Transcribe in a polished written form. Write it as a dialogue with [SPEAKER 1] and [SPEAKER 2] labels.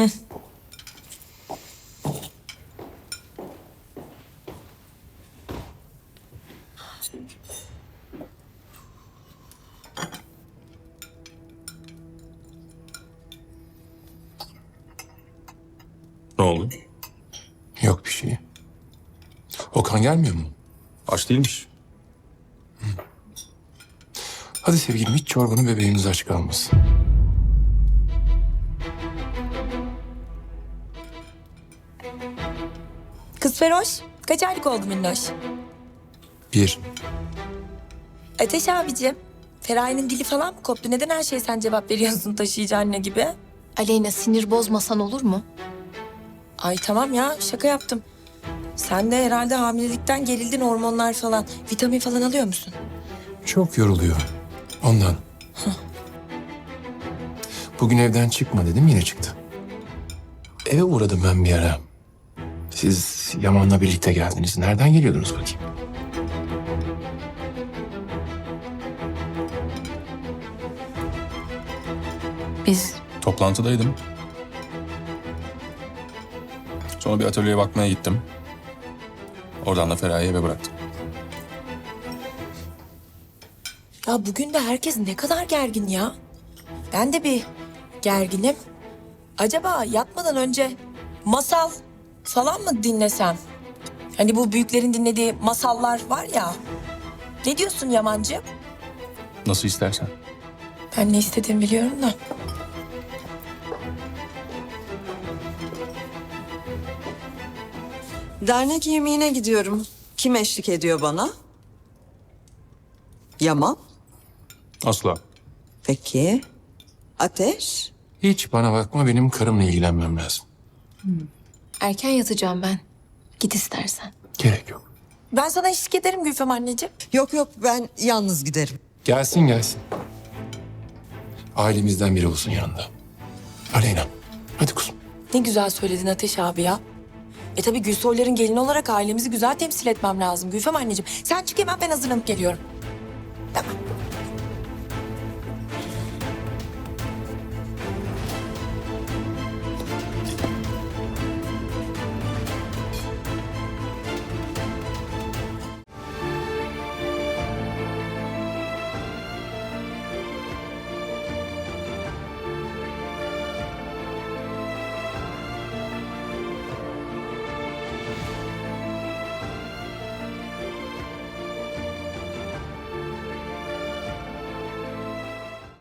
[SPEAKER 1] Ne oldu?
[SPEAKER 2] Yok bir şey. Okan gelmiyor mu?
[SPEAKER 1] Aç değilmiş.
[SPEAKER 2] Hadi sevgilim hiç çorbanın bebeğimiz aç kalmasın.
[SPEAKER 3] Kız Feroş, kaç aylık oldu minnoş?
[SPEAKER 2] 1.
[SPEAKER 3] Ateş abicim, Feraye'nin dili falan mı koptu? Neden her şeye sen cevap veriyorsun taşıyıcı anne gibi?
[SPEAKER 4] Aleyna, sinir bozmasan olur mu?
[SPEAKER 3] Ay tamam ya, şaka yaptım. Sen de herhalde hamilelikten gerildin, hormonlar falan. Vitamin falan alıyor musun?
[SPEAKER 2] Çok yoruluyor. Ondan. Bugün evden çıkma dedim yine çıktı. Eve uğradım ben bir ara. Siz Yaman'la birlikte geldiniz. Nereden geliyordunuz bakayım?
[SPEAKER 4] Biz
[SPEAKER 1] Toplantıdaydım. Sonra bir atölyeye bakmaya gittim. Oradan da Feraye'yi eve bıraktım.
[SPEAKER 3] Ya bugün de herkes ne kadar gergin ya. Ben de bir gerginim. Acaba yatmadan önce masal falan mı dinlesem? Hani bu büyüklerin dinlediği masallar var ya. Ne diyorsun Yamancığım?
[SPEAKER 1] Nasıl istersen.
[SPEAKER 3] Ben ne istediğimi biliyorum da.
[SPEAKER 5] Dernek yemeğine gidiyorum. Kim eşlik ediyor bana? Yaman.
[SPEAKER 1] Asla.
[SPEAKER 5] Peki. Ateş.
[SPEAKER 2] Hiç bana bakma, benim karımla ilgilenmem lazım.
[SPEAKER 4] erken yatacağım ben. Git istersen.
[SPEAKER 2] Gerek yok.
[SPEAKER 3] Ben sana eşlik ederim Gülfem anneciğim.
[SPEAKER 5] Yok yok, ben yalnız giderim.
[SPEAKER 2] Gelsin gelsin. Ailemizden biri olsun yanında. Aleyna, hadi kuzum.
[SPEAKER 3] Ne güzel söyledin Ateş abi ya. Tabii Gülsoyların gelini olarak ailemizi güzel temsil etmem lazım Gülfem anneciğim. Sen çık hemen, ben hazırlanıp geliyorum. Tamam.